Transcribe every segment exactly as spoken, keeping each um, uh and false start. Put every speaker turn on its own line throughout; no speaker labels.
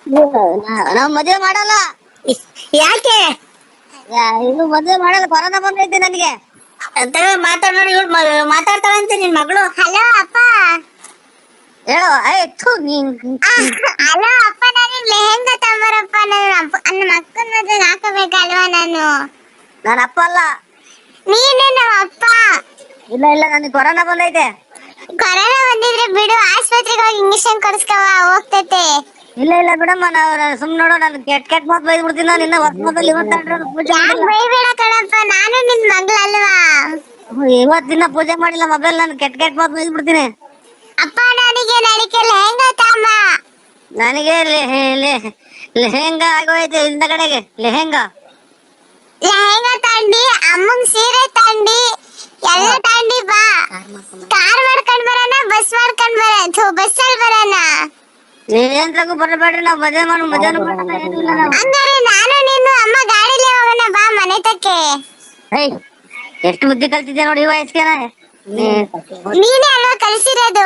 ನಾವ್ ಮದ್ವೆ ಮಾಡಲ್ಲ.
ಯಾಕೆ?
ಇದು ಮದ್ವೆ ಮಾಡಲ್ಲ, ಕೊರೋನಾ ಬಂದೈತಿ ನನಗೆ.
ಅಂತ ಮಾತಾಡ್ ನೋಡಿ, ಇವ್ಳು ಮಾತಾಡ್ತಾಳಂತೆ ನಿನ್ ಮಗಳು.
ಹಲೋ ಅಪ್ಪ.
ಹೇಳು. ಆಯ್ತು ನೀನ್.
ಹಲೋ ಅಪ್ಪ, ನಾನು ಲೆಹೆಂಗಾ ತಗೊಂಬರಪ್ಪ. ನನ್ನ ನನ್ನ ಅಕ್ಕನ ಮದ್ವೆಗೆ ಹಾಕಬೇಕಲ್ವಾ ನಾನು.
ನನ್ನ ಅಪ್ಪ ಅಲ್ಲ.
ನೀನೇ ನಮ್ಮ ಅಪ್ಪ.
ಇಲ್ಲ ಇಲ್ಲ, ನನಗೆ ಕೊರೋನಾ ಬಂದೈತೆ.
ಕೊರೋನಾ ಬಂದಿದ್ರೆ ಬಿಡು, ಆಸ್ಪತ್ರೆಗೆ ಹೋಗಿ ಇಂಜೆಕ್ಷನ್ ಕೊಡಿಸ್ಕವ, ಹೋಗ್ತೈತೆ.
ಇಲ್ಲ ಇಲ್ಲ ಬಿಡಮ್ಮ, ನಾವು ಸುಮ್ ನೋಡು, ನಾನು ಕೆಟ್ಟ ಕೆಟ್ಟ ಮಾತು ಬೈದ್ ಬಿಡ್ತೀನಿ. ನಾನು ಇನ್ನ ಹೊಸ ಮೊದಲು ಇವತ್ತು ಪೂಜೆ
ಯಾಕೆ ಬೈಬೇಡ ಕಣಪ್ಪ, ನಾನು ನಿನ್ ಮಗಳಲ್ವಾ.
ಇವತ್ತಿನ ಪೂಜೆ ಮಾಡಿಲ್ಲ ಮೊಬೈಲ್. ನಾನು ಕೆಟ್ಟ ಕೆಟ್ಟ ಮಾತು ಬೈದ್ ಬಿಡ್ತೀನಿ.
ಅಪ್ಪ ನನಗೆ ನಡಿಕೆ ಲೆಹೆಂಗಾ ತಮ್ಮ.
ನನಗೆ ಲೆಹೆಂಗಾ ಆಗೋಯ್ತು ಇಂದ ಕಡೆಗೆ. ಲೆಹೆಂಗಾ
ಲೆಹೆಂಗಾ ತಂಡಿ, ಅಮ್ಮಂಗ್ ಸೀರೆ ತಂಡಿ, ಎಲ್ಲ ತಂಡಿ ಬಾ. ಕಾರ್ ಮಾಡ್ಕೊಂಡ್ ಬರೋಣ, ಬಸ್ ಮಾಡ್ಕೊಂಡ್ ಬರ ಬಸ್ಸಲ್ಲಿ ಬರೋಣ.
ನೀವೇಂದ್ರಾಗೂ ಬರಬೇಡ್ರಿ, ನಾವು ಮದುವೆ ಮಾಡಿ ಮದುವೆ
ಹಂಗಾರೆ ನಾನು ನೀನು ಅಮ್ಮ ಗಾಡಿಲೇ ಹೋಗೋಣ ಬಾ ಮನೆ ತಕ್ಕೆ.
ಏಯ್, ಎಷ್ಟು ಬುದ್ಧಿ ಕಲ್ತಿದ್ದೆ ನೋಡಿ ಈ ವಯಸ್ಸಿಗೆ.
ನೀನೇ ಅಲ್ವಾ ಕಲಿಸಿರೋದು.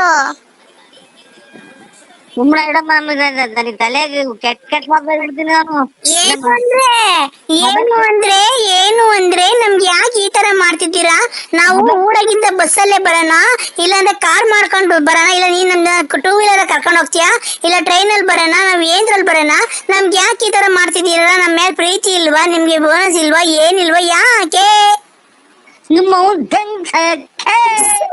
ಸುಮ್ಮನೆ ಇಡಮ್ಮ, ನನಗೆ ತಲೆಗೆ ಕೆಟ್ಟ ಕೆಟ್ಟ ಮಾತು ಬೈದ್ಬಿಡ್ತೀನಿ ನಾನು.
ಏನು ಅಂದ್ರೆ ಏನು ಅಂದ್ರೆ ಏನು ಅಂದ್ರೆ ನಮ್ಗೆ ಯಾಕೆ ಈ ತರ ಮಾಡ್ತಿದ್ದೀರಾ? ನಾವು ಊರಾಗಿಂದ ಬಸ್ಸಲ್ಲೇ ಬರೋಣ, ಇಲ್ಲಾಂದ್ರೆ ಕಾರ್ ಮಾಡ್ಕೊಂಡು ಬರೋಣ, ಇಲ್ಲ ನೀನ್ ನಮ್ನ ಟೂ ವೀಲರ್ ಕರ್ಕೊಂಡು ಹೋಗ್ತೀಯಾ, ಇಲ್ಲ ಟ್ರೈನ್ ಅಲ್ಲಿ ಬರೋಣ, ನಾವ್ ಏನ್ರಲ್ಲಿ ಬರೋಣ? ನಮ್ಗೆ ಯಾಕೆ ಈ ತರ ಮಾಡ್ತಿದ್ದೀರಾ? ನಮ್ಮ ಮೇಲೆ ಪ್ರೀತಿ ಇಲ್ವಾ ನಿಮ್ಗೆ? ಬೋನಸ್ ಇಲ್ವಾ? ಏನಿಲ್ವಾ? ಯಾಕೆ?
ನಿಮ್ಮ